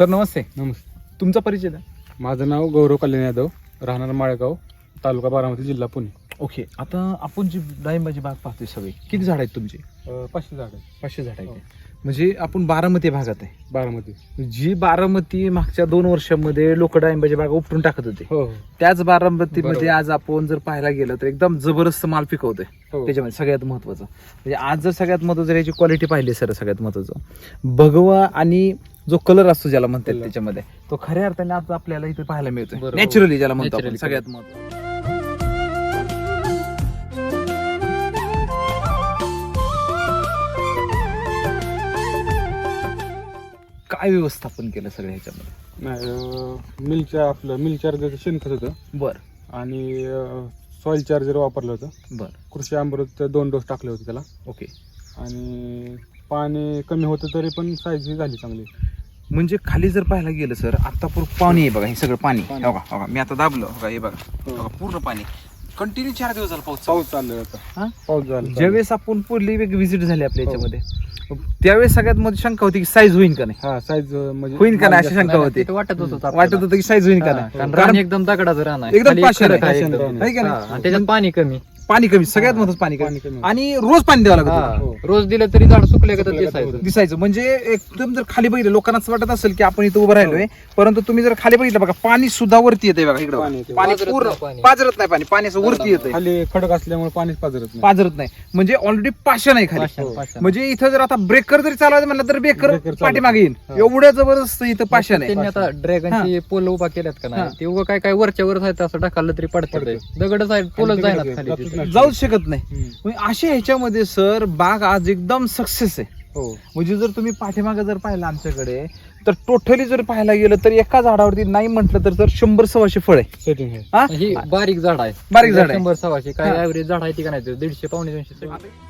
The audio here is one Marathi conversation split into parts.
सर नमस्ते. नमस्ते. तुमचा परिचय द्या. माझं नाव गौरव कल्याण यादव, राहणार माळेगाव, तालुका बारामती, जिल्हा पुणे. ओके, आता आपण जी डाळिंबाची बाग पाहतोय सगळी, किती झाड आहेत तुमची? 500 झाड आहे. 500 झाड हो. आहेत. म्हणजे आपण बारामती भागात आहे. बारामती. जी बारामती मागच्या 2 वर्षांमध्ये लोक डाळिंबाची बाग उपटून टाकत होते, हो त्याच बारामतीमध्ये बरोबर. आज आपण जर पाहायला गेलं तर एकदम जबरदस्त माल पिकवतोय. हो. त्याच्यामध्ये सगळ्यात महत्वाचं म्हणजे आज जर सगळ्यात महत्वाचं याची क्वालिटी पाहिली सर, सगळ्यात महत्वाचं भगवा आणि जो कलर असतो ज्याला म्हणतात कलर. त्याच्यामध्ये, तो खऱ्या अर्थाने आज आपल्याला इथे पाहायला मिळतोय. बरोबर. नॅचरली ज्याला म्हणतो आपण, Naturally सगळ्यात महत्वाचं. काय व्यवस्थापन केलं सगळं ह्याच्यामध्ये? नाही, मिल चार्जरचं शेणखत होतं बर आणि सॉइल चार्जर वापरलं होतं. बर कृषी अमृत 2 डोस टाकले होते त्याला. ओके. आणि पाणी कमी होतं तरी पण साईज ही झाली चांगली. म्हणजे खाली जर पाहायला गेलं सर, आता पूर्ण पाणी आहे बघा, हे सगळं पाणी. पाणी. हो का, हो का, मी आता दाबलं, हो का, हे बघा, हो. हो का, पूर्ण पाणी कंटिन्यू 4 दिवस झाला पाऊस चालू. पाऊस चालला होता. हा? पाऊस झाला. ज्यावेळेस आपण पुढली व्हिजिट झाली आपल्या याच्यामध्ये, त्यावेळेस सगळ्यात मध्ये शंका होती की साईज होईल का नाही, हा साईज म्हणजे होईल का नाही अशी शंका होती. वाटत होतं वाटत होतं की साईज होईल का कारण नाही, रान एकदम दगडाचं रान आहे, एकदम खाली पाषाण खडक आहे. आहे पाषाण एकदम. रान आहे का हा, नाही? आणि त्याच्यात पाणी कमी. पाणी कमी, सगळ्यात महत्वाचं पाणी पाणी कमी. कमी. आणि रोज पाणी द्यावं लागतं. हा, हो. रोज दिलं तरी झाड सुकले का सुकले का दिसायचं. दिसायचं म्हणजे एकदम जर खाली बघितलं, लोकांना असं वाटत असेल की आपण इथं उभं राहिलोय, परंतु तुम्ही जर खाली बघितलं बघा, पाणी सुद्धा वरती येते बघा, इकडे पाणी येते. पाणी पाझरत पूर्ण नाही पाणी. पाजरत नाही, पाणी असं वरती येते, खाली खडक असल्यामुळे पाणीच पाजरत नाही. पाजरत नाही. म्हणजे ऑलरेडी पाषाण आहे खाली. पाषाण, हो. पाषाण. म्हणजे इथं जर आता ब्रेकर जरी चालवायचं म्हणलं तर ब्रेकर Breaker चालवतो. पाठीमागे येईल, हा. एवढ्या जबरदस्त इथं पाषाण आहे. त्यांनी आता ड्रॅगनची पोल उभा केल्यात का हा. नाही, ते उभं काय वरच्या वर आहे, असं ढकललं तरी पडतं. पडतं. दगडच आहे, पोलच दगडच जायना आहे, खाली जातच तिथे. नाही. जाऊच शकत नाही. हम्म. म्हणजे अशा ह्याच्यामध्ये सर बाग आज एकदम सक्सेस आहे. हो. म्हणजे जर तुम्ही पाठीमागे जर पाहिलं आमच्याकडे, तर टोटली जर पाहायला गेलं तर एका झाडावरती नाही म्हटलं तर 100-125 फळ आहे. सेटिंग आहे. हा? ही बारीक झाड आहे, बारीक झाड आहे. 100-125 काय हा. ऍव्हरेज झाड आहे ती का नाही, 150 पावणे 200.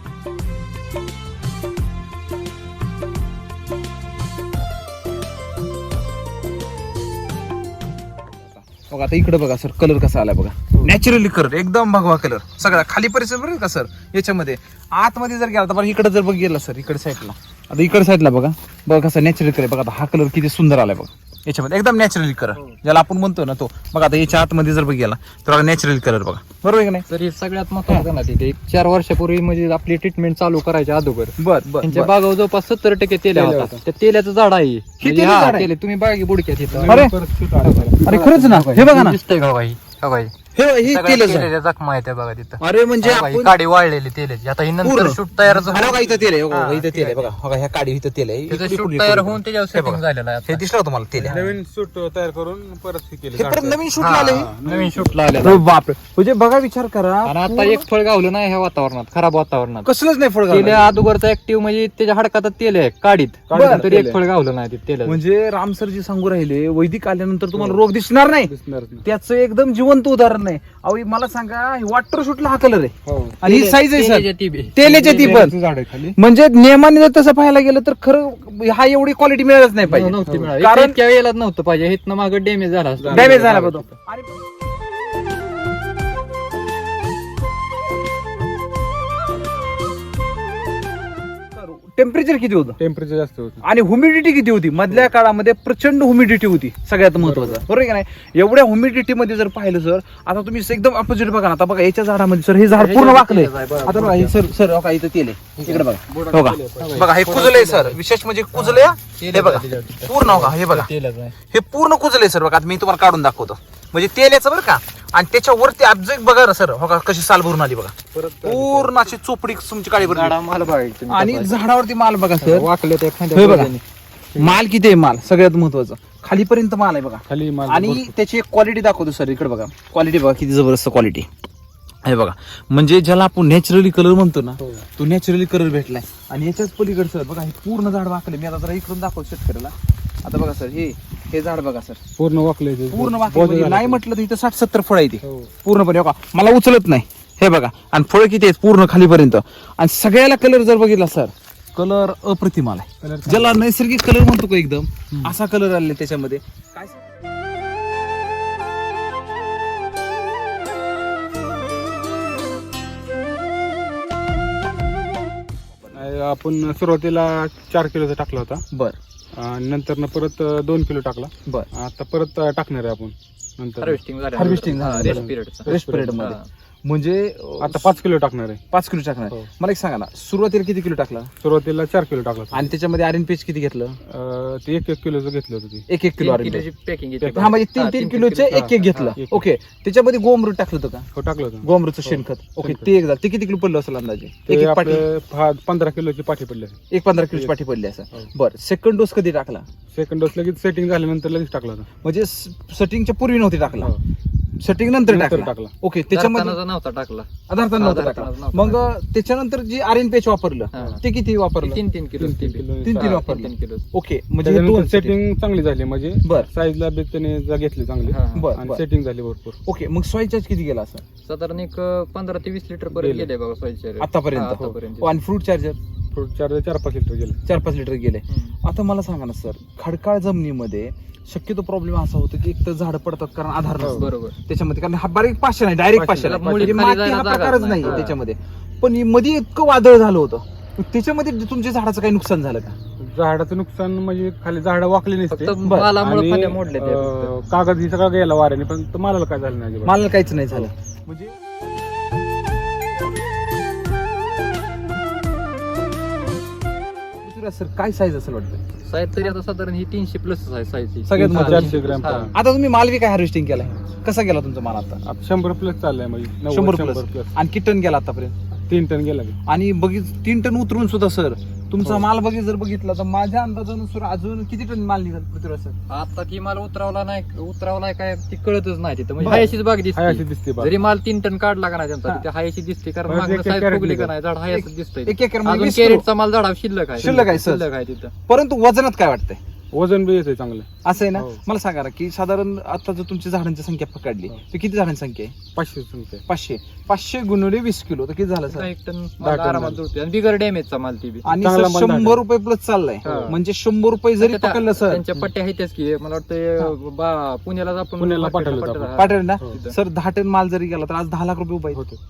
बघा आता इकडे बघा सर, कलर कसा आला बघा, हो. नॅचरली कलर, एकदम भगवा कलर सगळा. खाली परिसर बरं का सर, याच्यामध्ये आतमध्ये जर गेला तर बघा, इकडे जर बघ गेला सर, इकडे साईडला, आता इकडे साईडला बघा कसा नॅचरल कलर बघा. आता हा कलर किती सुंदर आलाय बघा याच्यामध्ये, एकदम नॅचरली कलर ज्याला आपण म्हणतो ना तो. बघा आता याच्या आतमध्ये जर बघ गेला तर नॅचरल कलर बघा, बरोबर आहे का नाही? तर हे सगळ्यात महत्वाचं ना, तिथे 4 वर्षापूर्वी म्हणजे आपली ट्रीटमेंट चालू करायच्या अगोदर बर बर त्यांच्या बर. बागावर जवळपास 70% तेल्या तेल्या होता. त्या तेल्याचं झाड आहे म्हणजे तेलं हा, झाड आहे? तेल तुम्ही बागा की बुडक्यात इथं. अरे. परत shoot आलं त्याला. अरे खरंच ना, हे बघा ना, दिसतंय का बाई, हा बाई हे तेलच आहे. केलेल्या जखमा आहेत त्या बघा तिथं. अरे म्हणजे हा बाई, आपण काडी वाळलेली तेलाची. आता ही नंतर पूर्ण. शूट तयारच अरे बघा इथं तेल आहे, बघा हा, इथं तेल आहे बघा, बघा ह्या काडी इथं तेल आहे. त्याचं इकडे शूट पुढे तयार पुढे. होऊन त्याच्यावर हे बघा. सेटिंग झालेलं आहे हे आता. दिसलं होतं मला तेल आहे. नवीन सूट तयार करून परत हे केलं. हे परत नवीन शूट हा, आले. नवीन शूटला आले अरे बापरे, म्हणजे बघा विचार करा, आणि आता एक फळ गावलं नाही ह्या वातावरणात, खराब वातावरणात. कसलंच नाही फळ तेल घालणार. अगोदरचा ऍक्टिव्ह म्हणजे त्याच्या हडकात तेल आहे काडीत, बरं, तरी तेल एक फळ गावलं नाही ते तेल. म्हणजे रामसरजी सांगू राहिले, वैदिक आल्यानंतर तुम्हाला रोग दिसणार नाही, दिसणारच नाही. त्याचं एकदम जिवंत उदाहरण नाही. अहो मला सांगा, वॉटर शूटला हा कलर आहे हो. आणि ही साईज आहे सर, तेलाच्या ती- तेलाच्या ती पण. तेलाचं झाड आहे खाली. म्हणजे नियमाने जर तसं पाहायला गेलं तर खरं हा एवढी क्वालिटी मिळालच नाही पाहिजे. नव्हती मिळाली. कारण- इतक्या वेळेला नव्हतं पाहिजे, हिथनं मागं डॅमेज झाला असता. डॅमेज झाला बघतो. टेम्परेचर किती होतं टेम्परेचर जास्त होतं. आणि ह्युमिडिटी किती होती? मधल्या काळामध्ये प्रचंड ह्युमिडिटी होती, सगळ्यात महत्वाचं, बरोबर आहे का नाही? एवढ्या ह्युमिडिटी मध्ये जर पाहिलं सर, आता तुम्ही एकदम अपोजिट बघा ना. आता बघा याच्या झाडामध्ये सर, हे झाड पूर्ण वाकलंय. आता बघा हे सर सर बघा इथं तेल आहे, इकडे बघा, हो का, बघा हे कुजलंय सर, विशेष म्हणजे कुजलंय. हे बघा पूर्ण, हो का, हे बघा तेलच आहे. हे पूर्ण कुजलंय सर. बघा आता मी तुम्हाला काढून दाखवतो, म्हणजे तेल याचं बरं का. आणि त्याच्यावरती ऑब्जेक्ट बघा ना सर, हो का, कशी साल भरून आली बघा, पूर्ण अशी चोपडी तुमची काळी भरली. झाडा माल बघायची तुम्ही आणि तपासायची. झाडावरती माल बघा सर, वाकले ते हे बघा माल किती आहे, माल सगळ्यात महत्वाचं खालीपर्यंत माल आहे बघा. खाली माल आणि भरपूर. त्याची एक क्वालिटी दाखवतो सर, इकडे बघा क्वालिटी बघा किती जबरदस्त क्वालिटी आहे बघा. म्हणजे ज्याला आपण नॅचरली कलर म्हणतो ना, हो. तो नॅचरली कलर भेटलाय. आणि याच्याच पलीकडे सर बघा, हे पूर्ण झाड वाकले. मी आता जरा इकडून दाखवतो शेतकऱ्याला. आता बघा सर, हे झाड बघा सर, पूर्ण वाकले ते. पूर्ण बोध वाकले. झाला. नाही म्हटलं तर इथं 60-70 फळ आहे ती हो. पूर्णपणे, हो का, मला उचलत नाही. हे बघा, आणि फळ किती आहेत पूर्ण खालीपर्यंत. आणि सगळ्याला कलर जर बघितला सर, कलर अप्रतिम आलाय. Color ज्याला नैसर्गिक कलर म्हणतो का एकदम, असा कलर आलेला त्याच्यामध्ये. काय आपण सुरुवातीला 4 किलोचा टाकला होता. बर आणि नंतर परत 2 किलो टाकला. बर आता परत टाकणार आहे आपण नंतर. हार्वेस्टिंग रेस्ट पिरियड मध्ये म्हणजे आता 5 किलो टाकणार आहे. 5 किलो टाकणार. हो. मला एक सांगा ना, सुरुवातीला किती किलो टाकला सुरुवातीला 4 किलो टाकला. आणि त्याच्यामध्ये RNPH किती घेतलं? ते 1 किलोचं घेतलं होतं ते. 1 किलो RNPH. पॅकिंग हा म्हणजे 3 किलोचे 1 घेतलं. हा. ओके, त्याच्यामध्ये गोमृत टाकलं होतं का? हो टाकलं होतं. गोमृतचं शेणखत. ओके, ते एक झालं. ते किती किलो पडलं असेल अंदाजे? ते एक पाठी, आपले 15 किलोची पाठी पडली. 15 किलोची पाठी पडली असं. हो. बरं, सेकंड डोस कधी टाकला? सेकंड डोस लगेच सेटिंग झाल्यानंतर लगेच टाकला होता. म्हणजे सेटिंगच्या पूर्वी नव्हती टाकला, हो. सेटिंग नंतर नंतर टाकला. टाकला. ओके, त्याच्यामध्ये नव्हता टाकला. आधारता नव्हता आधारता टाकला. नव्हता मग त्याच्यानंतर जी RNPH वापरलं हा. ते किती वापरलं? 3 किलो 3 वापरलं. 3 किलो. ओके, म्हणजे हे दोन त्याच्यानंतर setting. सेटिंग चांगली झाली म्हणजे बर. साईजला बी त्याने घेतली चांगली हा. बर, आणि बर. सेटिंग झाली भरपूर. ओके, मग सॉइल चार्ज किती गेला असं साधारण एक 15 ते 20 लिटर पर्यंत गेले. गेले बघा सोयीचे आतापर्यंत? आतापर्यंत. आणि fruit charger fruit charger 4-5 litre गेले. 4-5 लिटर गेले. हम्म. आता मला सांगा ना सर, खडकाळ जमिनीमध्ये शक्यतो प्रॉब्लेम असा होतो की एक तर झाडं पडतात कारण आधार नसतो बरोबर. त्याच्यामध्ये, कारण हा बारीक पाषाण आहे, डायरेक्ट पाषाण पाषाण आहे. आहे. म्हणजे मुळी खाली माती हा जायला जागाच प्रकारच नाही. नाही त्याच्यामध्ये. पण मध्ये इतकं वादळ झालं होतं, मग त्याच्यामध्ये तुमच्या झाडाचं काही नुकसान झालं का? झाडाचं नुकसान म्हणजे खाली झाडं वाकली नसते फक्त बर. मालामुळे आणि फांद्या मोडल्या त्या फक्त. कागद ही सगळं गेला वाऱ्याने, पण तो मालाला काय झालं नाही अजिबात. मला काहीच नाही झालं. म्हणजे सर काय साईज असेल वाटतं? साईज तरी आता साधारण ही 300 प्लस आहे साईज. सगळ्यात महत्त्वाचं. 400 ग्रॅम. आता तुम्ही माल बी काय हार्वेस्टिंग केलाय? कसा गेला तुमचा माल आता? आता 100 प्लस चाललाय म्हणजे 100 100 प्लस. प्लस. आणि किती टन गेला आतापर्यंत? 3 टन गेला की. आणि बघित 3 टन उतरून सुद्धा सर तुमचा हो. माल जर बघितला तर माझ्या अंदाजानुसार अजून किती टन माल निघाल पृथ्वीराज सर? आता ती माल उतरावला काय ती कळतच नाही तिथं म्हणजे बरं. हायशीच बाग हाय अशी दिसते. दिसते बाग. जरी माल 3 टन काढला का नाही हा. त्यांचा तिथे हायशी दिसते कारण बरं, मागणं एक साईज कॅरेट फुगली का निघाल. नाही झाड हायच दिसतंय. एक एकर मध्ये अजून 20 किलो. कॅरेटचा माल झाडा शिल्लक आहे. शिल्लक आहे, सर. शिल्लक आहे तिथं. परंतु वजनात काय वाटतंय? वजन बी येते चांगलं. असं आहे ना? हो. मला सांगा ना की साधारण आता जर तुमची झाडांची संख्या पकडली हो. तर किती झाडांची संख्या आहे? 500 संख्या. 500 गुणिले 20 किलो तर किती झालं सर? 1 टन 10 माल टन आरामात झालं. जुळते आणि बिगर डॅमेजचा माल ती बी. आणि चांगला सर माल 100 रुपये प्लस चाललाय. हा. म्हणजे 100 रुपये जरी त्याच्या- पकडलं सर, त्यांच्या पट्ट्या आहेतच की मला वाटतं पुण्याला आपण पुण्याला पाठवलं होतं पट्ट्या- आपण. पाठवेल ना हो. सर? 10 टन माल जरी गेला तर आज 10 लाख रुपये उभा होते.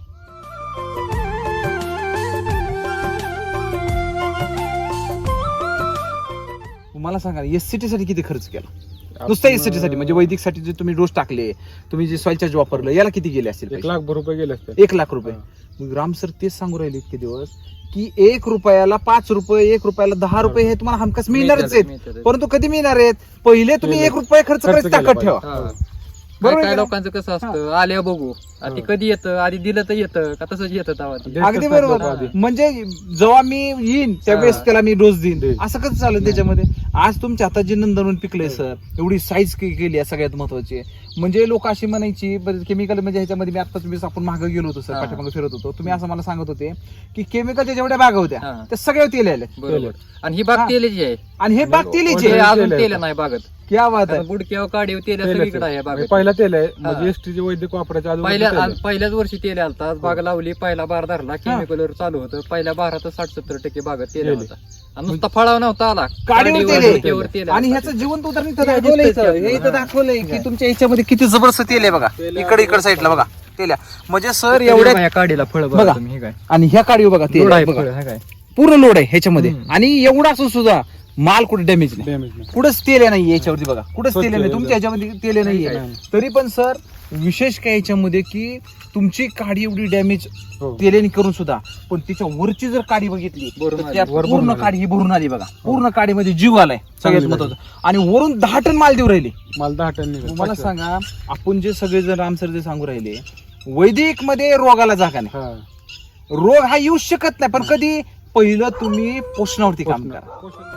मला सांगा SCT साठी किती खर्च केला? नुसत्या SCT साठी म्हणजे वैदिक साठी जे तुम्ही डोस टाकले, तुम्ही जे सॉइल चार्ज वापरलं, याला किती गेले असतील? 1 लाख रुपये गेले असते. 1 लाख रुपये. मग राम सर तेच सांगू राहिले इतके दिवस की 1 रुपयाला 5 रुपये, 1 रुपयाला 10 रुपये हे तुम्हाला हमखास मिळणारच आहेत. मिळतात. परंतु कधी मिळणार आहेत? पहिले तुम्ही पहिले 1 रुपये खर्च करायची केला ताकद ठेवा. हा. बरोबर काय आहे का? लोकांचं कसं असतं आल्या बघू आता ते कधी येतं आधी दिलं तर येतं का तसंच येतं तेव्हा ते. देतच अगदी नाही बरोबर. लोकं आधी. म्हणजे जेव्हा मी येईन त्यावेळेस हा. त्याला मी डोस देईन. देईन. असं कसं चालेल त्याच्यामध्ये? आज तुमच्या हातात जे नंदनवन पिकलंय सर, एवढी साईज केली आहे सगळ्यात महत्वाची. म्हणजे लोक अशी म्हणायची केमिकल म्हणजे ह्याच्यामध्ये मी आता तुम्ही आपण मागे गेलो होतो सर, हा. पाठीमागे फिरत होतो, तुम्ही असं मला सांगत होते की केमिकलच्या जेवढ्या बागा होत्या हा. त्या सगळ्या तेल आले बरोबर. आणि ही हा. बाग तेलाची आहे आणि हे बाग तेलीचे. तेल अजून आहे. तेल नाही बागत क्या बात आहे. गुडक्यावर काढीव तेल तेल सगळीकडे आहे आहे. बागेत. पहिला तेल आहे हा. म्हणजे एसटीचे वैद्यक वापरायच्या अगोदर पहिल्याच वर्षी तेल आलता आज बाग लावली पहिला बार धरला केमिकलवर चालू होतं पहिल्या बारातच 60-70% बागत तेल तेल. होता आणि नुसता फळावा नव्हता आला काडीवर काडीवर, तेल आहे. गुडघ्यावर तेल आणि आलता. ह्याचं जिवंत उदाहरण इथं हे दाखवलंय दिसतंय सर. की हे इथं आपल्याला. दाखवलंय की तुमच्या ह्याच्यामध्ये किती जबरदस्त तेल आहे बघा. तेल इकडे साईडला बघा तेल आहे. म्हणजे सर तरी एवढ्या बघा या काडीला फळ बघा. बघा तुम्ही हे काय आणि ह्या काडीवर बघा तेल लोड आहे आहे बघा. फळ, हे काय पूर्ण लोड आहे ह्याच्यामध्ये. हम्म. आणि एवढा असून सुद्धा माल कुठे डॅमेज नाही, डॅमेज नाही. कुठंच तेल नाही याच्यावरती बघा, कुठंच तेल नाही. स्वच्छ तुमच्या ह्याच्यामध्ये तेल नाहीये. नाही. तरी पण सर विशेष काय याच्यामध्ये की तुमची काडी एवढी डॅमेज हो. तेलेने करून सुद्धा पण तिच्या वरची जर काडी बघितली भरून तर आली. त्या वर पूर्ण भरून आली. काडी ही भरून आली बघा. पूर्ण काडीमध्ये जीव आलाय सगळ्यात चांगली महत्वाचं. आणि वरून 10 टन माल देऊ राहिली. मला 10 टन निघाले. मला सांगा आपण जे सगळे जण राम सर जे सांगू राहिले वैदिक मध्ये रोगाला जागा नाही, हा. रोग हा येऊ शकत नाही. पण कधी पहिलं तुम्ही पोषणावरती काम करा.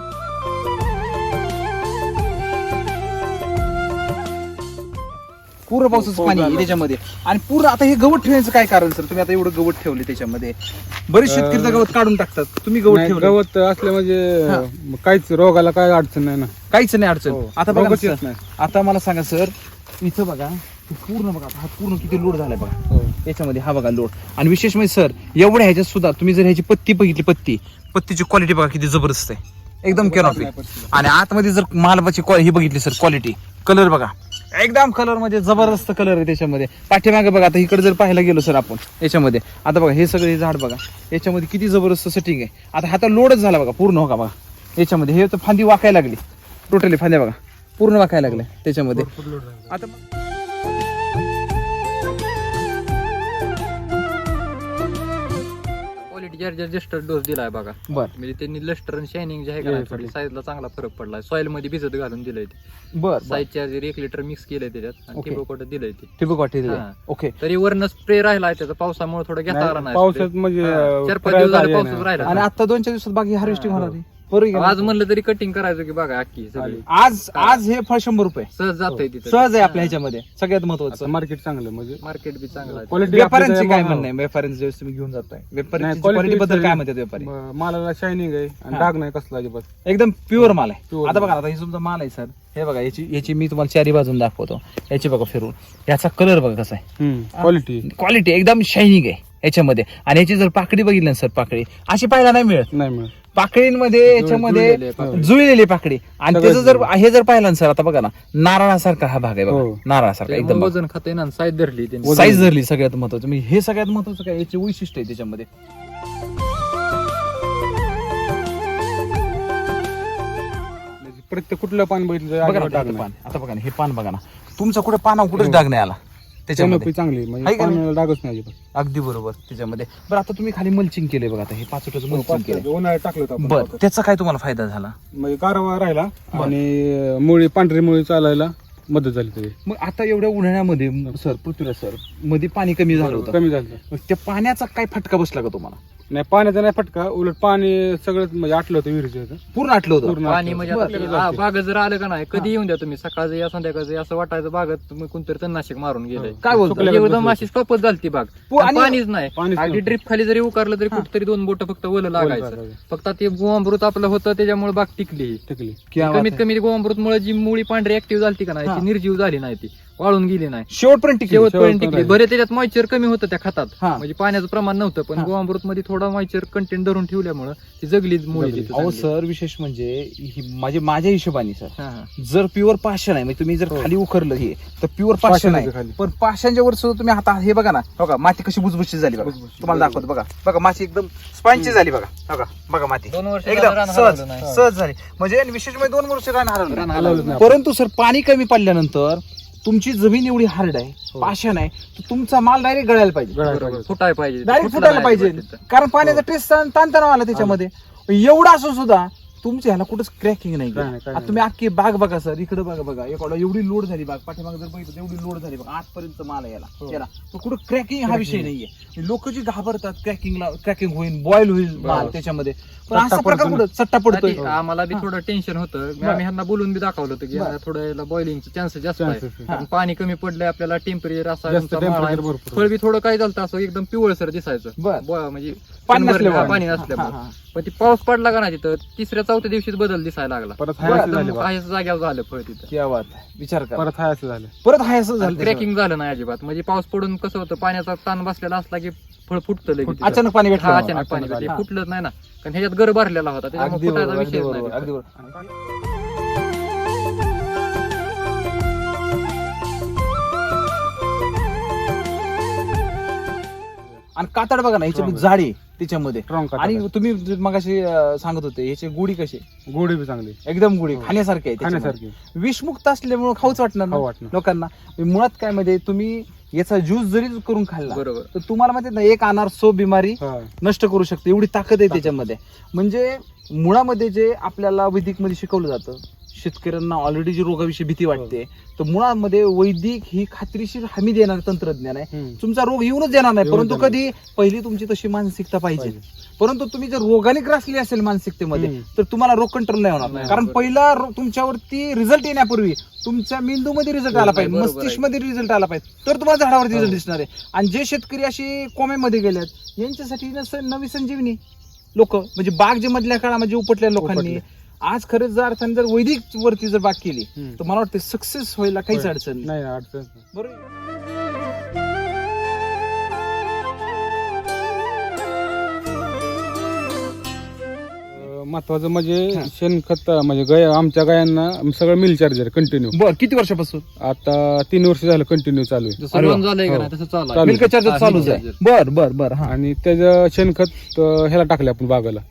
पूर्ण पावसाचं पाणी आहे त्याच्यामध्ये. आणि पूर्ण आता हे गवत ठेवण्याचं काय कारण सर? तुम्ही आता एवढं गवत ठेवले त्याच्यामध्ये, बरेच शेतकरी गवत काढून टाकतात, तुम्ही गवत नाही, ठेवलं गवत असले म्हणजे हा. काहीच रोगाला काय अडचण नाही ना. काहीच नाही अडचण. हो. आता बघा रोगच ना येत सर, नाही. आता मला सांगा सर इथं बघा हे पूर्ण बघा हा पूर्ण किती लोड झालाय बघा हो. याच्यामध्ये. हा बघा लोड. आणि विशेष म्हणजे सर एवढ्या ह्याच्यात सुद्धा तुम्ही जर ह्याची पत्ती बघितली, पत्तीची क्वालिटी बघा किती जबरदस्त आहे, एकदम कॅनॉपी. आणि आतमध्ये जर मालबाची ही बघितली सर क्वालिटी, कलर बघा एकदम कलर म्हणजे जबरदस्त कलर आहे त्याच्यामध्ये. पाठीमागे बघा आता इकडे जर पाहायला गेलो सर आपण याच्यामध्ये, आता बघा हे सगळे झाड बघा याच्यामध्ये किती जबरदस्त सेटिंग आहे. आता हाता लोडच झाला बघा पूर्ण. हो का बघा याच्यामध्ये हे तर फांदी वाकायला लागली टोटली फांद्या बघा पूर्ण वाकायला लागल्या त्याच्यामध्ये. आता क्वालिटी चार्जर जस्ट डोस दिलाय बघा. बर म्हणजे त्यांनी लस्टर आणि शायनिंग जे आहे का थोडी साईजला चांगला फरक पडलाय. सॉइल मध्ये भिजत घालून दिलंय ते. बर साईज चार्जर 1 लिटर मिक्स केलंय त्याच्यात आणि Okay. ठिबक वॉटर दिलंय ते. ठिबक वाटी हा. ओके. तरी वरनं स्प्रे राहिलाय त्याचा पावसामुळे थोडं घेता आला नाही. पावसात म्हणजे 4-5 दिवस झाले पावसाच राहिला. आणि आता 2-4 दिवसात बाकी हार्वेस्टिंग होणार आहे. बरोबर आहे का आज नाही? म्हणलं तरी कटिंग करायचं की बघा अख्खी सगळी आज हे फळ 100 रुपये सहज जातंय तिथं. सहज आहे आपल्या ह्याच्यामध्ये सगळ्यात महत्वाचं. मार्केट चांगलं म्हणजे मार्केट बी चांगला आहे. क्वालिटी व्यापाऱ्यांचे काय म्हणणं आहे? व्यापाऱ्यांचे ज्यावेळेस तुम्ही घेऊन जाताय व्यापाऱ्यांची क्वालिटी बद्दल काय म्हणतात व्यापारी? मालाला शायनिंग आहे आणि हा. डाग नाही कसला अजिबात. एकदम प्युअर माल आहे. Pure आता माल. बघा आता हे तुमचा माल आहे सर. हे बघा याची मी तुम्हाला चारी बाजून दाखवतो. याची बघा फिरून याचा कलर बघा कसा आहे. क्वालिटी क्वालिटी एकदम शायनिंग आहे याच्यामध्ये. आणि याची जर पाकडी बघितली ना सर पाकडी अशी पाहायला नाही मिळत. नाही मिळत. पाकळींमध्ये याच्यामध्ये जुळलेली आहे पाकळी. जुळलेली पाकडी. आणि सगळं त्याचं जर हे जर पाहिलं ना सर आता बघा ना नारळासारखा हा भाग आहे बघा. हो. नारळासारखा एकदम बघा. वजन खाते ना साईज धरली त्यांनी. वजन. साईज धरली सगळ्यात महत्वाचं. म्हणजे हे सगळ्यात महत्वाचं काय याचे वैशिष्ट्य आहे त्याच्यामध्ये. प्रत्येक कुठलं पान बघितलं बघा ना अजिबात डाग आता नाही. पान आता बघा ना हे पान बघा ना तुमचं कुठे पानावर कुठेच डाग नाही आला त्याच्यामध्ये. Canopy चांगली आहे म्हणजे का नाही? पानाला डागच नाही अजिबात. अगदी बरोबर त्याच्यामध्ये. बरं आता तुम्ही खाली मल्चिंग केले बघा आता हे 5 फुटाचं मल्चिंग केलं. उन्हाळ्यात टाकलं होतं आपण. बरं त्याचा काय तुम्हाला फायदा झाला? म्हणजे गारवा राहिला आणि मुळी पांढरी मुळी चालायला मदत झाली त्याची. मग आता एवढ्या उन्हाळ्यामध्ये सर पृथ्वीराज सर मध्ये पाणी कमी झालं होतं. कमी झालं. मग त्या पाण्याचा काय फटका बसला का तुम्हाला? नाही पाण्याचा नाही फटका, उलट पाणी सगळं म्हणजे आटलं होतं विहिरीचं. पूर्ण आटलं होतं. पूर्ण पाणी आटलं. म्हणजे बरं. आता बागत जर आलं का नाही कधी येऊन द्या तुम्ही सकाळचं या संध्याकाळचं या असं वाटायचं बागत तुम्ही कोणतरी तणनाशक मारून गेलंय. काय बोलतो? सुकल्या एकदम अशी स्टॉपच झाली बाग. आणि- पाणीच नाही. पाणीच अगदी नव्हतं. ड्रिप खाली जरी उकारलं तरी कुठतरी 2 बोट फक्त ओलं लागायचं. लागायचं. फक्त ते गोअमृत आपलं होतं त्याच्यामुळे बाग टिकली. टिकली. क्या बात कमीत आहे. कमी गोअमृत मुळे जी मुळी पांढरी ऍक्टिव्ह झाली का नाही हा. ती निर्जीव झाली नाही ती वाळून गेली नाही. शेवटपर्यंत टिकली. शेवटपर्यंत टिकली. राहिली. बरे त्याच्यात मॉइश्चर कमी होतं त्या खतात. हा. म्हणजे पाण्याचं प्रमाण नव्हतं पण हा. गोअमृत मध्ये थोडा मॉइश्चर कंटेंट धरून ठेवल्यामुळे ती जगली मुळी जगली. तिथं अहो चांगली. सर विशेष म्हणजे माझ्या हिशोबाने सर हा, हा. जर प्युअर पाषाण आहे म्हणजे तुम्ही जर हो. खाली उखरलं हे तर प्युअर पाषाण पाषाण आहे. आहे खाली. पण पाषाणच्या वर सुद्धा तुम्ही आता हे बघा ना बघा माती कशी बुजबुजीत झाली बघा. बुजबुजीत. तुम्हाला दाखवतो बघा बघा माती एकदम स्पंची झाली बघा. बघा बघा माती 2 वर्ष एकदम रान सहज हलवलं नाही. सहज झाली. म्हणजे आणि विशेष म्हणजे 2 वर्ष रान हरवलं रान नाही. हलवलं नाही. परंतु सर पाणी कमी पडल्यानंतर तुमची जमीन एवढी हार्ड आहे हो. पाषाण आहे तर तुमचा माल डायरेक्ट गळायला पाहिजे. बरोबर. फुटायला पाहिजे. डायरेक्ट फुटलं फुटायला नाही पाहिजे तिथं. कारण पाण्याचा टेस्ट ताणतणाव आला त्याच्यामध्ये. एवढा असून सुद्धा तुमच्या ह्याला कुठंच क्रॅकिंग नाही काय नाही, काय आता नाही. तुम्ही अख्खी बाग बघा सर इकडे बघा बघा एवढा एवढी लोड झाली बाग पाठीमागे जर बघितलं एवढी लोड झाली बघा आजपर्यंत माल आहे याला हो. याला तर कुठं क्रॅकिंग हा विषय नाहीये. लोक जी घाबरतात क्रॅकिंग होईल बॉईल होईल माल बरोबर. त्याच्यामध्ये पण असा सट्टा प्रकार पडतो कुठं सट्टा पडतोय. आधी आम्हाला बी थोडं टेन्शन होतं. बरं. आम्ही ह्यांना बोलून बी दाखवलं होतं की बरं. थोडं बॉइलिंगचे चान्सेस जास्त आहे. Chances आहे. कारण पाणी कमी पडलंय आपल्याला टेम्परेचर असा जास्त तुमचा माळ आहे. temperature भरपूर. फळ बी थोडं काय झालं असं एकदम पिवळसर दिसायचं. बरं. म्हणजे पाणी शंभर- नसल्यामुळे. हा, पाणी हा, नसल्यामुळे. हा. पण ती पाऊस पडला का नाही तिथं 3-4 दिवशीच बदल दिसायला लागला. परत बरं. हाय झाले बा. काहीच जाग्यावर झालं फळ तिथं. क्या बात आहे. विचार करा परत हाय असं झालं. परत हाय असं झालं त्याच्यामध्ये. क्रॅकिंग झालं नाही अजिबात. म्हणजे पाऊस पडून कसं होतं पाण्याचा ताण बसलेला असला की फळ फुटतं लगेच तिथं. अचानक पाणी हा, भेटलं अचानक पाणी अचानक भेटलं. फुटलंच नाही ना कारण ह्याच्यात गर भरलेला होता अगदी त्याच्यामुळे फुटायचा बरोबर अगदी विषयच बरोबर नाही अगदी तिथं. बरोबर. आणि कातड बघा ना ह्याच्यामध्ये Strong. जाड आहे त्याच्यामध्ये. Strong कातड आणि आहे. तुम्ही मगाशी सांगत होते ह्याचे गुढी कशी गोडी बी चांगली. एकदम गुढी हो. खाण्यासारखी आहे त्याच्यामध्ये. खाण्यासारखी. विषमुक्त असल्यामुळे खाऊच वाटणार ना खाऊ वाटणार. लोकांना. मुळात काय मध्ये तुम्ही याचा ज्यूस जरी करून खाल्ला बरोबर. तर तुम्हाला माहिती ना एक अनार 100 बिमारी हा. नष्ट करू शकते एवढी ताकद आहे त्याच्यामध्ये. म्हणजे मुळामध्ये जे आपल्याला वैदिक मध्ये शिकवलं जातं शेतकऱ्यांना ऑलरेडी जी रोगाविषयी भीती वाटते तर मुळामध्ये वैदिक ही खात्रीशीर हमी देणारं तंत्रज्ञान आहे. हम्म. तुमचा रोग येऊनच देणार नाही येऊनच परंतु देणार कधी पहिली तुमची तशी मानसिकता पाहिजे. पाहिजे. परंतु तुम्ही जर रोगाने ग्रासली असेल मानसिकतेमध्ये हम्म. तर तुम्हाला रोग कंट्रोल नाही होणार नाही, कारण बरोबर. पहिला तुमच्यावरती रिझल्ट येण्यापूर्वी तुमच्या मेंदूमध्ये रिझल्ट आला पाहिजे बरोबर आहे. मस्तिष्क मध्ये रिझल्ट आला पाहिजे तर तुम्हाला झाडावरती हो. रिझल्ट दिसणार आहे. आणि जे शेतकरी अशी कोम्यामध्ये गेल्यात यांच्यासाठी नवी संजीवनी लोक म्हणजे बाग जे मधल्या काळामध्ये उपटल्या लोकांनी उपटले. आज खरंच जर अर्थाने जर वैदिक वरती जर बाग केली हम्म. तर मला वाटतं सक्सेस व्हायला काहीच होय. अडचण नाही. नाही अडचण नाही. बरोबर. महत्वाचं म्हणजे हा. शेणखत म्हणजे आमच्या गायांना सगळं मिल चार्जर कंटिन्यू. बर किती वर्षापासून आता 3 वर्ष झालं कंटिन्यू चालू आहे. जसं अरे वा. लोन झालंय का हो. नाही तसं चालू आहे. चालू. मिल्क चार्जर हा, चालूच milk आहे. charger. बर बर बर हा आणि त्याचं शेणखत ह्याला टाकले आपण बागाला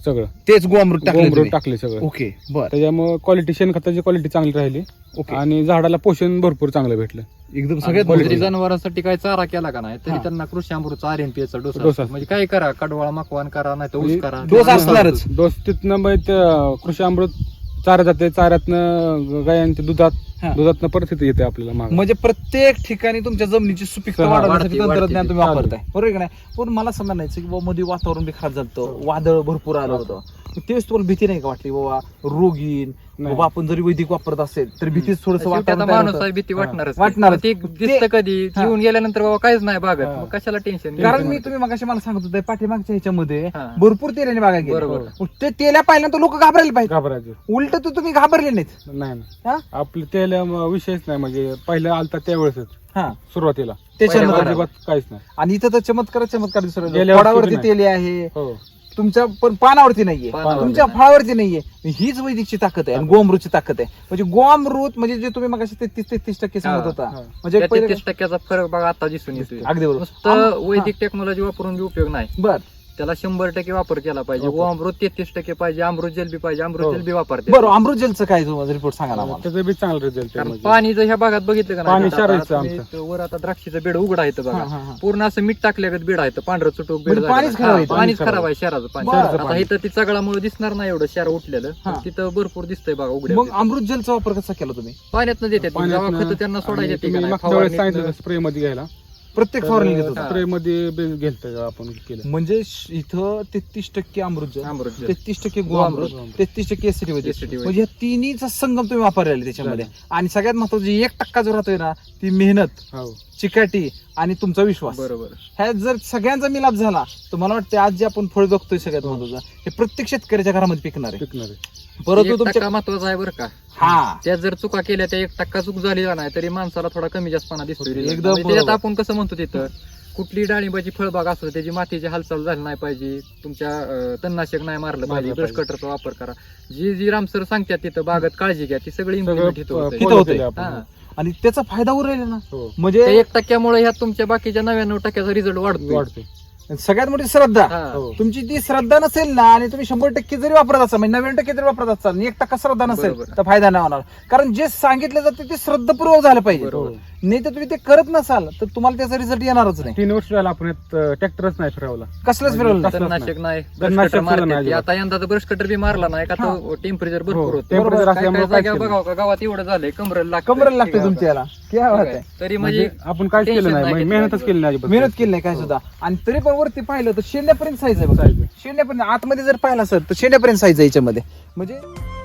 सगळं तेच गोअमृत टाकले गोमरूट तुम्ही? टाकले सगळं. ओके बर त्याच्यामुळे क्वालिटी शेणखताची क्वालिटी चांगली राहिली ओके आणि झाडाला पोषण भरपूर चांगलं भेटलं. एकदम आणि सगळ्यात जरी महत्त्वाचं. जनावरांसाठी काही चारा केला का नाही तरी हा. त्यांना कृषी अमृतचा RNPA चा डोस डोसा. असतो. म्हणजे काय करा, कडवाळा मकवान करा नाही तर ऊस म्हणजे करा, डोस असणारच. डोस तिथनं मग कृषी अमृत चारा जाते, चाऱ्यातनं गायांच्या हा. दुधातनं परत इथे येते आपल्याला मागं. म्हणजे प्रत्येक ठिकाणी तुमच्या जमिनीची सुपीकता हा, वाढवण्यासाठी वाढते, तंत्रज्ञान तुम्ही वाढते. वापरताय बरोबर आहे का नाही? पण मला असं म्हणायचं की बाबा मध्ये वातावरण बी खराब झालं, वादळ भरपूर आलं होतं, तेच तुम्हाला भीती नाही का वाटली बाबा रोग येईल, नाही. बाबा आपण जरी वैदिक वापरत असेल तरी भीतीच थोडस शेवटी आता वातावरण तयार माणूस होतं. आहे, भीती वाटणारच वाटणारच. ते दिसतं कधी हा. येऊन गेल्यानंतर बाबा काहीच नाही बागत, हा. मग कशाला टेन्शन कारण मी तुम्ही मगाशी मला सांगत होते पाठीमागच्या ह्याच्यामध्ये हा. भरपूर तेलाने बागा बरोबर. गेल्या मग ते तेल्या पाहिल्यानंतर लोक घाबरायला पाहिजे, घाबरायचं उलट तर तुम्ही घाबरले नाहीत. नाही हा? ना. आपलं त्याला विषयच नाही, म्हणजे पहिलं आलता त्यावेळेसच हा सुरुवातीला त्याच्यानंतर पहिल्या अजिबात काहीच नाही. आणि इथं तर चमत्कार दिसतो. गेल्या वर्षी फळावरती नाही. तेली आहे, हो तुमच्या पण पानावरती नाहीये, पानावरती तुमच्या नाही. फळावरती नाहीये. हीच वैदिकची ताकद आहे आणि गोअमृतची ताकद आहे. म्हणजे गोअमृत म्हणजे जे तुम्ही मग 33% सांगत हा, होता, हा. म्हणजे पहिले 33% फरक बघा आता दिसून येतोय. अगदी बरोबर. नुसतं वैदिक टेक्नॉलॉजी वापरून बी उपयोग नाही, बर त्याला 100% वापर केला पाहिजे. वापर. व अमृत 33% पाहिजे, अमृत जल बी पाहिजे, अमृत हो. जल बी वापरते. बरं अमृत जेलचं काय तुम्हाला रिपोर्ट सांगा ना आम्हाला. त्याचा बी चांगला रिझल्ट कारण पाणी जर ह्या भागात बघितलं का पाणी नाही, क्षाराचं आता तुम्ही वर आता द्राक्षीचं बेड उघडा येतं हा, बघा, हा, हा. पूर्ण असं मीठ टाकल्यागत बेड आहे, पांढरं चुटूक बेड म्हणजे पाणीच खराब आहे. पाणीच पाणी खराब आहे, शहराचं पाणी. बरं. आता पाणी. इथं ती चगळामुळे दिसणार नाही एवढं शहर उठलेलं, हा. पण तिथं भरपूर दिसतंय बघा उघड्या मग अमृत जेलचा वापर कसा केला तुम्ही? पाण्यात देतात जेव्हा खतं त्यांना सोडायचे ते का नाही, मागच्या वेळेस फवारणीतनं. सांगितलं स्प्रे मध्ये घ्यायला, प्रत्येक फवारणी घेत होता. स्प्रे मध्ये घेतलं आपण केलं. म्हणजे इथं 33% अमृत जल, अमृत जल. 33% गोअमृत, गोअमृत. 33% एसिडी वैदिक. एसिडी वैदिक. म्हणजे या तिन्हीचा संगम तुम्ही वापरलेला आहे त्याच्यामध्ये. आणि सगळ्यात महत्वाचं 1% जो राहतोय ना, ती मेहनत, हो चिकाटी आणि तुमचा विश्वास. बरोबर. ह्या जर सगळ्यांचा मिलाप झाला तर मला वाटतं आज जे आपण फळ बघतोय सगळ्यात महत्वाचं, हे प्रत्येक शेतकऱ्याच्या घरामध्ये पिकणार आहे. टिकणार आहे. परंतु 1% तुमच्या महत्वाचा आहे बरं का. हा त्या जर चुका केल्या, त्या 1% चूक झाली नाही तरी माणसाला थोडा कमी जास्तपणा दिसतो. एकदम त्याच्यात बरोबर. आपण कसं म्हणतो तिथं कुठली डाळिंबाची फळबाग असतो त्याची मातीची हालचाल झाली नाही पाहिजे, तुमच्या तणनाशक नाही मारलं पाहिजे, मारलं ब्रश पाहिजे. कटरचा वापर करा. जी रामसर सांगतात तिथं बागत काळजी घ्या, ती सगळी सगळं इम्प्लिमेंट इथं होतंय. इथं follow होतंय. केलं आपण. हा. आणि त्याचा फायदा उरलेला ना, हो. म्हणजे त्या 1%मुळे ह्यात तुमच्या बाकीच्या 99% रिझल्ट वाढतो. वाढते. सगळ्यात मोठी श्रद्धा. हो. तुमची ती श्रद्धा नसेल ना, आणि तुम्ही 100% जरी वापरत असाल, म्हणजे 90% जरी वापरत असाल, आणि 1% श्रद्धा नसेल बरोबर. तर फायदा नाही होणार. कारण जे सांगितलं जातं ते श्रद्धापूर्वक झालं पाहिजे. बरोबर. नाही तर तुम्ही ते करत नसाल तर तुम्हाला त्याचा रिझल्ट येणारच नाही. 3 वर्ष झालं आपण ट्रॅक्टरच नाही फिरवला. कसलंच फिरवलं नाही. कसलंच तणनाशक नाही, ब्रश तणनाशक कटर सुद्धा नाही मारतात. अजिबात. आता यंदा ब्रश कटर बी मारला नाही का, तो टेम्परेचर भरपूर हो, होतं. temperature काय असल्यामुळे काय जागा काहीच बघावं का गावात एवढं झालंय, कमरेला लागतंय. कमरेला लागते तुमच्या याला. क्या बात आहे. तरी म्हणजे म्हणजे आपण काहीच केलं tension नाही, नाही म्हणजे घेतलं मेहनतच अजिबात. केली नाही अजिबात. मेहनत केली नाही काय सुद्धा. आणि तरी पण वरती पाहिलं तर शेंड्यापर्यंत साईज आहे बघा. Size आहे. शेंड्यापर्यंत आतमध्ये जर पाहिला सर तर शेंड्यापर्यंत साईज आहे याच्यामध्ये. म्हणजे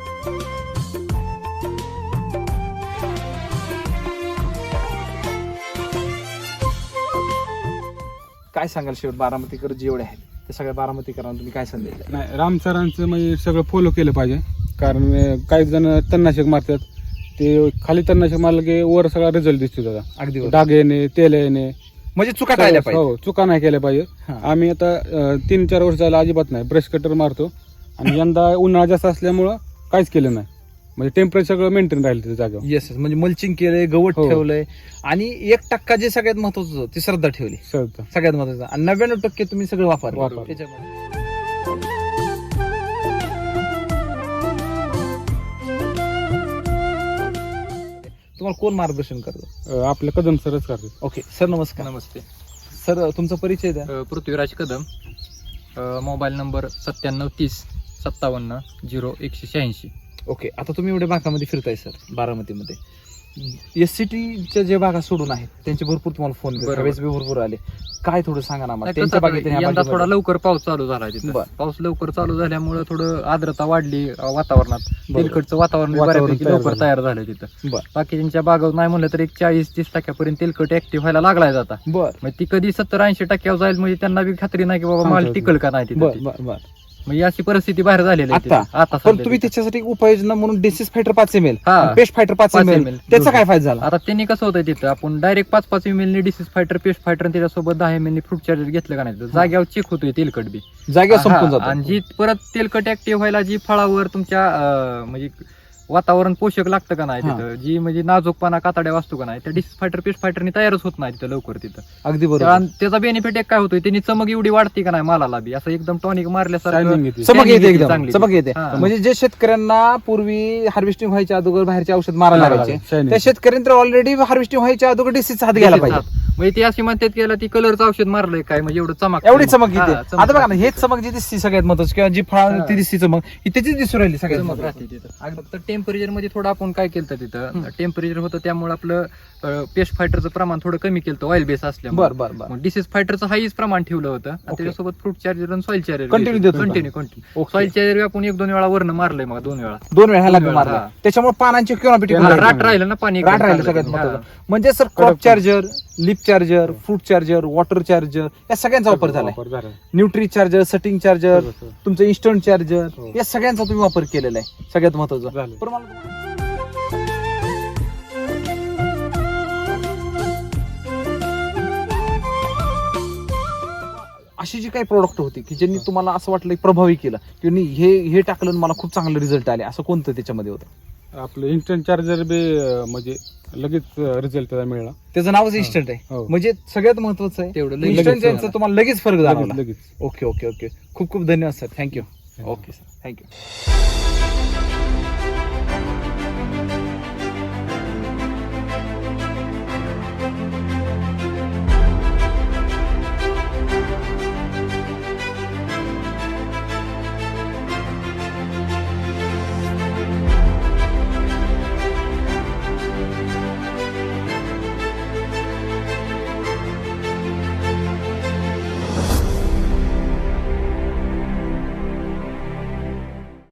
काय सांगाल शेवट बारामतीकर जेवढे आहेत ते सगळ्या बारामतीकरांना तुम्ही काय संदेश द्याल? नाही, राम सरांचं म्हणजे सगळं फॉलो केलं पाहिजे. कारण काही जण तणनाशक मारतात, ते खाली तणनाशक मारलं की वर सगळा रिझल्ट दिसतो त्याचा. अगदी बरोबर. डाग येणे, तेल येणे, म्हणजे चुका टाळल्या पाहिजे. हो, चुका नाही केल्या पाहिजे. हा. आम्ही आता 3-4 वर्ष झालं अजिबात नाही, ब्रश कटर मारतो. आणि यंदा उन्हाळा जास्त असल्यामुळं काहीच केलं नाही, म्हणजे टेम्परेचर सगळं मेंटेन राहिलं त्या जागेवर. येस म्हणजे मल्चिंग केलंय, गवत हो. ठेवलंय, आणि 1% जे सगळ्यात महत्वाचं होतं ती श्रद्धा ठेवली. सहज. सगळ्यात महत्वाचं. आणि 99% तुम्ही सगळं वापरलं वापरलं. त्याच्यामध्ये. तुम्हाला कोण मार्गदर्शन करतो? आपलं कदम सरच करते. ओके सर, नमस्कार. नमस्ते. सर तुमचा परिचय द्या. Prithviraj Kadam, mobile number 9730570186. Okay, आता तुम्ही एवढ्या भागामध्ये फिरताय सर बारामतीमध्ये. SCTच्या जे भागा सोडून आहेत त्यांचे भरपूर तुम्हाला फोन बरोबर. भरपूर आले. काय थोडं सांगा ना मला नाही, त्यांच्या कसं बागेत आणि ह्या यंदा बागेमध्ये? थोडा लवकर पाऊस चालू झाला तिथं. बरं. पाऊस लवकर चालू झाल्यामुळे थोडं आर्द्रता वाढली वातावरणात. बरोबर. तेलकटचं वातावरण बी वातावरण बऱ्यापैकी तयार लवकर झालं. तयार झालं तिथं. बरं बाकीच्या बागावर नाही म्हणलं तर 40-30% तेलकट ऍक्टिव्ह व्हायला लागलाय जाता. बर मग ती कधी 70-80% जाईल म्हणजे त्यांना बी खात्री नाही की बाबा माल सांगता येत टिकल का नाही बर तिथं. बर बर. म्हणजे अशी परिस्थिती बाहेर झालेली आहे आता? तिथं. आता पण सध्या तुम्ही तिथं. त्याच्यासाठी एक उपाययोजना म्हणून डिसीज फायटर 5 ml, हा. Paste fighter 5 5 ml, ml. त्याचा काय फायदा झाला? आता त्यांनी कसं होतं तिथं आपण direct 5-5 ml disease fighter, paste fighter आणि त्याच्यासोबत 10 ml फ्रूट चार्जर घेतलं का नाही, जाग्यावर चेक होतोय तेलकट बी. जागेवर संपून हा, आणि जातो. जी परत तेलकट ऍक्टिव्ह व्हायला जी फळावर तुमच्या म्हणजे वातावरण पोषक लागतं का नाही हा. तिथं, जी म्हणजे नाजूकपणा कातड्या वाचतो का नाही, त्या डिसीज फायटर पेस्ट फायटरनी तयारच होत नाही तिथं लवकर तिथं. अगदी बरोबर. आणि त्याचा बेनिफिट एक काय होतोय, त्यांनी चमक एवढी वाढते का नाही मालाला बी, असं एकदम टॉनिक मारल्यासारखं Shining येते. चमक shining येते येते एकदम, चांगली. चमक येते. हा. म्हणजे जे शेतकऱ्यांना पूर्वी हार्वेस्टिंग व्हायच्या अगोदर बाहेरचे औषध मारायला लागायचे, Shining. त्या शेतकऱ्यांनी तर ऑलरेडी हार्वेस्टिंग व्हायच्या अगोदर डिसीज हात घ्यायला पाहिजे. म्हणजे ती अशी म्हणतात की याला ती कलरचं औषध मारलंय काय, म्हणजे एवढं चमक एवढी चमक येते. हा, चमक आता बघा ना, राहते. हेच चमक जी दिसते सगळ्यात महत्वाची, किंवा जी फळ हा. ती दिसते चमक, ही त्याचीच दिसून राहिली सगळ्यात चमक महत्वाची. राहते तिथं. फक्त टेम्परेचर मध्ये थोडं आपण काय केलं तिथं, टेम्परेचर होतं त्यामुळे आपलं पेस्ट फायटरचं प्रमाण थोडं कमी केलं, ऑइल बेस असल्यामुळे. बर बर बर. डिसीज फायटरचं हाईच प्रमाण ठेवलं होतं आणि त्याच्यासोबत फ्रूट चार्जर आणि सॉइल चार्जर Continue देत होता. Continue okay. सॉइल चार्जर आपण 1-2 वेळा वरनं मारलंय, मग 2 वेळा 2 वेळा ह्याला दोन वेळा, मारला, हा. त्याच्यामुळे पानांची क्युनॉपिटी हा, राहते. राट राहिलं ना पाणी एकदम राट राहिलं चांगलं. सगळ्यात हा. महत्वाचं. म्हणजे sir crop charger, leaf charger, fruit charger, water charger या सगळ्यांचा वापर झालाय. वापर झालाय. न्यूट्री चार्जर, सटिंग चार्जर, सगळं, सगळं. तुमचं इन्स्टंट चार्जर, हो. या सगळ्यांचा तुम्ही वापर केलेला आहे, सगळ्यात महत्वाचं. झालं. पण मला अशी जी काही प्रोडक्ट होती की ज्यांनी तुम्हाला असं वाटलं की प्रभावी केलं, की नाही, हे टाकलं आणि मला खूप चांगले रिझल्ट आले, असं कोणतं त्याच्यामध्ये होतं? आपलं इन्स्टंट चार्जर बी म्हणजे लगेच रिझल्ट त्याला मिळाला. त्याचं नावच इन्स्टंट आहे, हो. म्हणजे सगळ्यात महत्वाचं आहे तेवढं इन्स्टंट लगेच त्यांचं तुम्हाला लगेच फरक जाणवला. लगेच. ओके ओके ओके, खूप खूप धन्यवाद sir, thank you. Okay sir, thank you.